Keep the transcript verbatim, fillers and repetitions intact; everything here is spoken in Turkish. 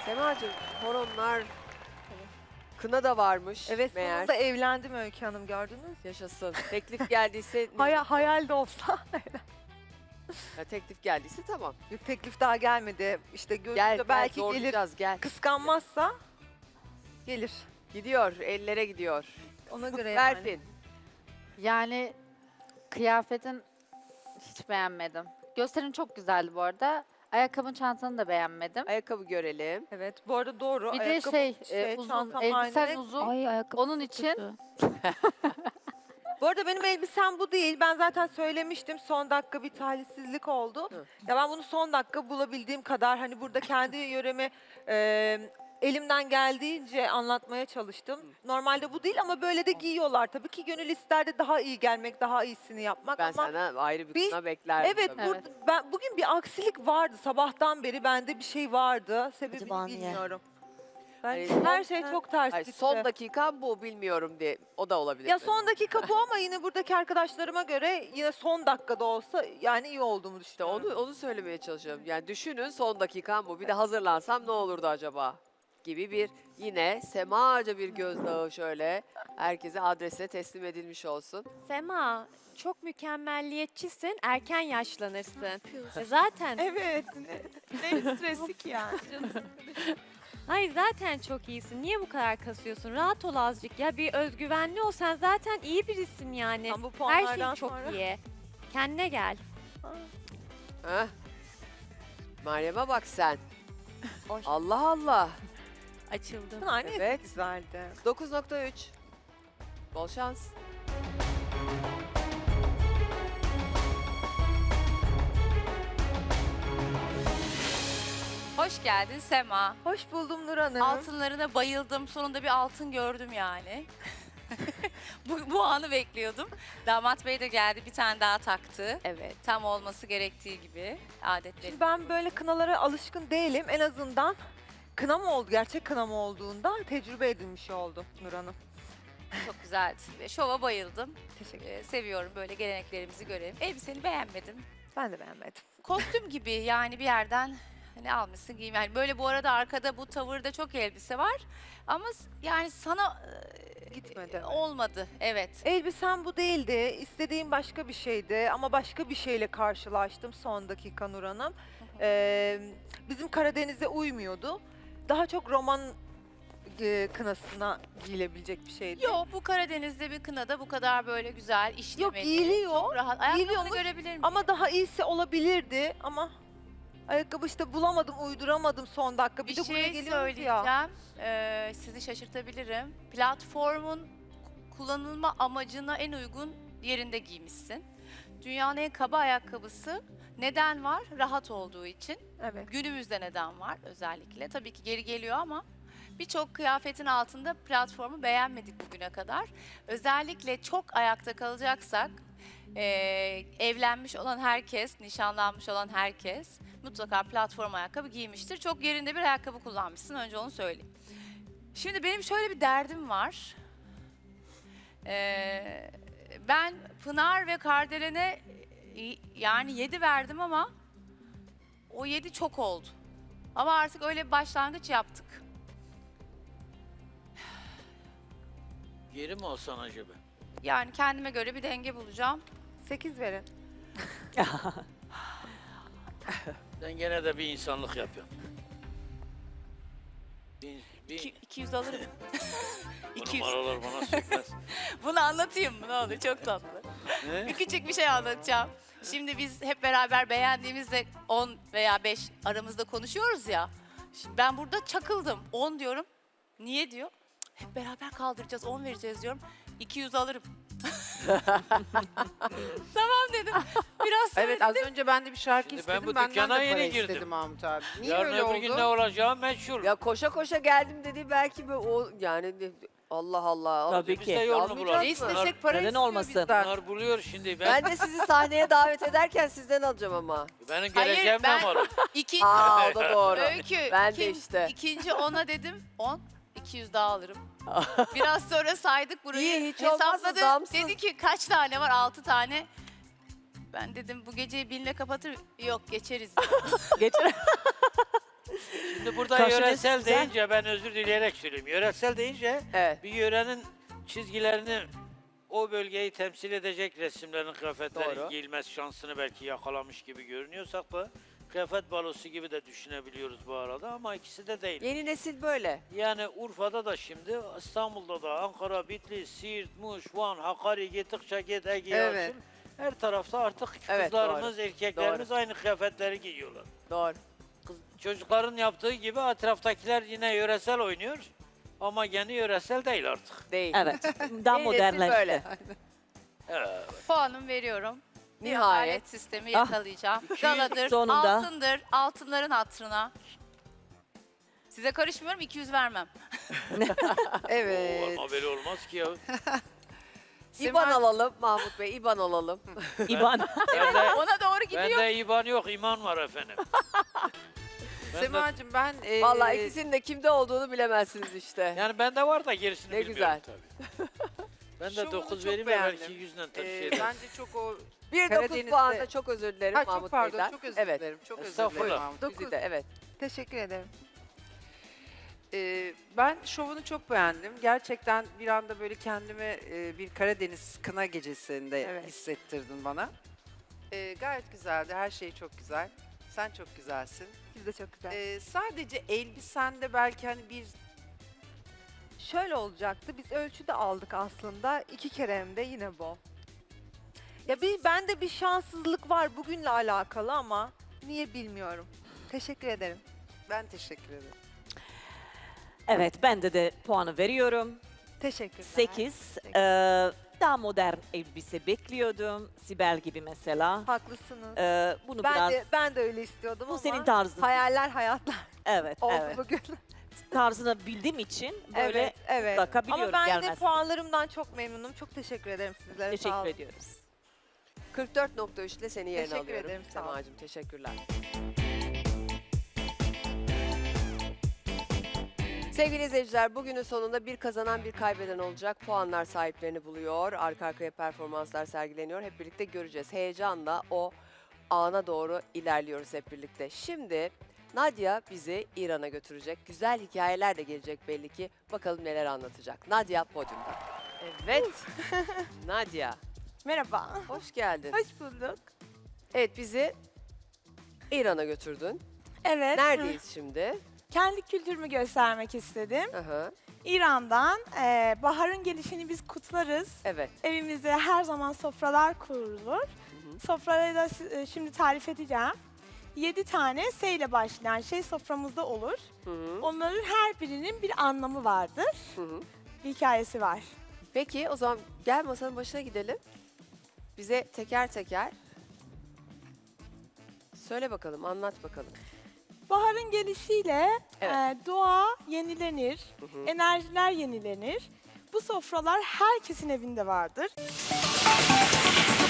Semacığım horonlar, kına da varmış Evet, meğer. sonunda evlendim Öykü Hanım, gördünüz mü? Yaşasın. Teklif geldiyse, Hayal, hayal de olsa. ya teklif geldiyse tamam. Yok, teklif daha gelmedi. İşte gözümde Gel, gel belki gelir. zorlayacağız gel. Kıskanmazsa gelir. Gidiyor, ellere gidiyor. Ona göre yani. Berfin. Yani kıyafetin hiç beğenmedim. Gösterin çok güzeldi bu arada. Ayakkabın, çantanı da beğenmedim. Ayakkabı görelim. Evet, bu arada doğru. Bir de Ayakkabı, şey, e, uzun, çantam elbisen aynı. uzun. Ay ayakkabı Onun için Bu arada benim elbisem bu değil. Ben zaten söylemiştim. Son dakika bir talihsizlik oldu. Hı. Ya ben bunu son dakika bulabildiğim kadar hani burada kendi yöremi e, elimden geldiğince anlatmaya çalıştım. Normalde bu değil ama böyle de giyiyorlar. Tabii ki gönül ister de daha iyi gelmek, daha iyisini yapmak Ben ama sana ayrı bir bir- kına beklerdim. evet, tabii. burada ben bugün bir aksilik vardı. Sabahtan beri bende bir şey vardı. Sebebini Acaba niye? bilmiyorum. Ben Hani her son- şey çok ters Ay, gitti. son dakika bu bilmiyorum diye. O da olabilir. Ya son dakika bu ama yine buradaki arkadaşlarıma göre yine son dakikada olsa yani iyi olduğumu İşte düşünüyorum. onu onu söylemeye çalışıyorum. Yani düşünün son dakikam bu. Bir de hazırlansam ne olurdu acaba? Gibi bir yine semaca bir gözdağı şöyle herkese adrese teslim edilmiş olsun. Sema, çok mükemmelliyetçisin, erken yaşlanırsın. E zaten, Evet. Ne stresi ki yani. hayır zaten çok iyisin. Niye bu kadar kasıyorsun? Rahat ol azıcık ya. Bir özgüvenli ol. Sen zaten iyi birisin yani. Ama bu Her puanlardan şey çok sonra- iyi. Kendine gel. Heh. Meryem'e bak sen. Oy. Allah Allah. Açıldım. Pınar ne Evet. güzeldi. dokuz nokta üç. Bol şans. Hoş geldin Sema. Hoş buldum Nur Hanım. Altınlarına bayıldım. Sonunda bir altın gördüm yani. bu, bu anı bekliyordum. Damat Bey de geldi, bir tane daha taktı. Evet. Tam olması gerektiği gibi adetleri. Şimdi ben böyle kınalara alışkın değilim. En azından kına mı oldu, gerçek kına mı olduğunda tecrübe edilmiş oldu Nur Hanım. Çok güzeldi. Ve şova bayıldım. Teşekkür Ee, ederim. seviyorum böyle geleneklerimizi görelim. Elbiseni beğenmedim. Ben de beğenmedim. Kostüm gibi yani bir yerden hani almışsın giyim. Yani böyle bu arada arkada bu tavırda çok elbise var. Ama s- yani sana e, Gitmedi. olmadı. Evet. Elbisem bu değildi. İstediğim başka bir şeydi ama başka bir şeyle karşılaştım son dakika Nur Hanım. Ee, bizim Karadeniz'e uymuyordu. Daha çok roman e, kınasına giyilebilecek bir şeydi. Yok, bu Karadeniz'de bir kınada bu kadar böyle güzel işlemeli. Yok, giyiliyor. Çok rahat. Ayakkabını Giyiliyormuş görebilir miyim? Ama daha iyisi olabilirdi ama ayakkabı işte bulamadım, uyduramadım son dakika. Bir, bir de buraya şey geliyoruz ya. söyleyeceğim. Ee, sizi şaşırtabilirim. Platformun kullanılma amacına en uygun yerinde giymişsin. Dünyanın en kaba ayakkabısı. Neden var? Rahat olduğu için. Evet. Günümüzde neden var özellikle? Tabii ki geri geliyor ama birçok kıyafetin altında platformu beğenmedik bugüne kadar. Özellikle çok ayakta kalacaksak eee, evlenmiş olan herkes, nişanlanmış olan herkes mutlaka platform ayakkabı giymiştir. Çok yerinde bir ayakkabı kullanmışsın, önce onu söyleyeyim. Şimdi benim şöyle bir derdim var. Eee, ben Pınar ve Kardelen'e e, yani yedi verdim ama o yedi çok oldu. Ama artık öyle bir başlangıç yaptık. Geri mi olsan acaba? Yani kendime göre bir denge bulacağım. sekiz verin. Sen gene de bir insanlık yapıyorsun. Bir, bir, İki- iki yüz alırım. bu iki yüz. numaralar bana sökmez. Bunu anlatayım mı? Ne olur, çok tatlı. Ne? Bir küçük bir şey anlatacağım. Şimdi biz hep beraber beğendiğimizde on veya beş aramızda konuşuyoruz ya. Şimdi ben burada çakıldım. on diyorum. Niye diyor? Hep beraber kaldıracağız, on vereceğiz diyorum. iki yüz alırım. Tamam dedim. Biraz sonra Evet, az önce ben de bir şarkı Şimdi ben istedim. bu Benden dükkana de yeni para girdim. istedim Mahmut abi. Niye Yarın öyle öbür oldu? gün ne olacağı meçhul. Ya koşa koşa geldim dedi belki böyle o yani de- Allah Allah. Tabii Biz ki. de yolunu Almayacağız bulalım. mı? Ne istesek para Neden istiyor olmasın? bizden. Bunlar buluyor şimdi. Ben, Ben de sizi sahneye davet ederken sizden alacağım ama. benim Hayır, geleceğim ben- ne var? İkinci, Aa o da doğru. öykü. Ben de ikin- işte. İkinci ona dedim on. iki yüz daha alırım. Biraz sonra saydık burayı. İyi, hiç olmazsa hesapladı. zamsız. Dedi ki kaç tane var? Altı tane. Ben dedim bu geceyi binle kapatır. Yok geçeriz. Geçen Şimdi burada Karşınız yöresel güzel. deyince ben özür dileyerek söyleyeyim. Yöresel deyince Evet. bir yörenin çizgilerini o bölgeyi temsil edecek resimlerin, kıyafetlerin Doğru. giyilmez şansını belki yakalamış gibi görünüyorsak da kıyafet balosu gibi de düşünebiliyoruz bu arada ama ikisi de değil. Yeni nesil böyle. Yani Urfa'da da şimdi, İstanbul'da da, Ankara, Bitlis, Siirt, Muş, Van, Hakkari, gittikçe git, Ege, Evet. Yalçın. Her tarafta artık Evet, kızlarımız, erkeklerimiz aynı kıyafetleri giyiyorlar. Doğru. Kız, çocukların yaptığı gibi etraftakiler yine yöresel oynuyor. Ama yeni yöresel değil artık. Değil. Evet. Daha Yeni nesil modernleşti. böyle. Evet. Puanımı veriyorum. Bir Nihayet. adalet sistemi Ah. yakalayacağım. Galadır, Sonunda. altındır, altınların hatırına. Size karışmıyorum, iki yüz vermem. Evet. Ama böyle olmaz ki ya. İban alalım Mahmut Bey, İban alalım. İban. Bende, Ona doğru gidiyor. bende İban yok, iman var efendim. Ben de- Semacığım ben... e, Vallahi ikisinin de kimde olduğunu bilemezsiniz işte. yani bende var da gerisini Ne bilmiyorum güzel. tabii. Ben de Şovunu dokuz çok vereyim de beğendim. belki yüzden e, tavsiye ederim. bence çok o... Bir dokuz Karadeniz'de- puanda çok özür dilerim Ha, Mahmut çok pardon, Bey'den. çok özür Evet. dilerim. Çok özür Estağfurullah. dilerim Mahmut. Bizi de evet. Teşekkür ederim. Ee, ben şovunu çok beğendim. Gerçekten bir anda böyle kendimi e, bir Karadeniz kına gecesinde Evet. hissettirdin bana. Ee, gayet güzeldi. Her şey çok güzel. Sen çok güzelsin. Siz de çok güzel. Ee, sadece elbisende belki hani bir Şöyle olacaktı. Biz ölçü de aldık aslında. İki kere hem de yine bu. Ya bir bende bir şanssızlık var bugünle alakalı ama niye bilmiyorum. Teşekkür ederim. ben teşekkür ederim. Evet, ben de de puanı veriyorum. Teşekkürler. sekiz. Ee, daha modern elbise bekliyordum. Sibel gibi mesela. Haklısınız. Ee, bunu ben biraz... de ben de öyle istiyordum bu ama senin tarzın. hayaller hayatlar Evet, oldu evet. bugün. Tarzını bildiğim için böyle evet, evet. mutlaka Ama biliyorum ben de gelmez. puanlarımdan çok memnunum. Çok teşekkür ederim sizlere. sağ Teşekkür olun. ediyoruz. kırk dört nokta üç ile seni yerine Teşekkür alıyorum. ederim, sağ ol. Semacığım teşekkürler. Sevgili izleyiciler, bugünün sonunda bir kazanan bir kaybeden olacak. Puanlar sahiplerini buluyor. Arka arkaya performanslar sergileniyor. Hep birlikte göreceğiz. Heyecanla o ana doğru ilerliyoruz hep birlikte. Şimdi Nadia bizi İran'a götürecek. Güzel hikayeler de gelecek belli ki. Bakalım neler anlatacak. Nadia podyumda. Evet. Nadia, Merhaba. hoş geldin. Hoş bulduk. Evet, bizi İran'a götürdün. Evet. Neredeyiz şimdi? Kendi kültürümü göstermek istedim. Aha, İran'dan eee, baharın gelişini biz kutlarız. evet. Evimizde her zaman sofralar kurulur. Sofraları da si- e, şimdi tarif edeceğim. Yedi tane S ile başlayan şey soframızda olur. Hı hı, Onların her birinin bir anlamı vardır. hı hı. Bir hikayesi var. Peki o zaman gel masanın başına gidelim. Bize teker teker söyle bakalım, anlat bakalım. Baharın gelişiyle Evet. eee, doğa yenilenir, Hı hı. enerjiler yenilenir. Bu sofralar herkesin evinde vardır.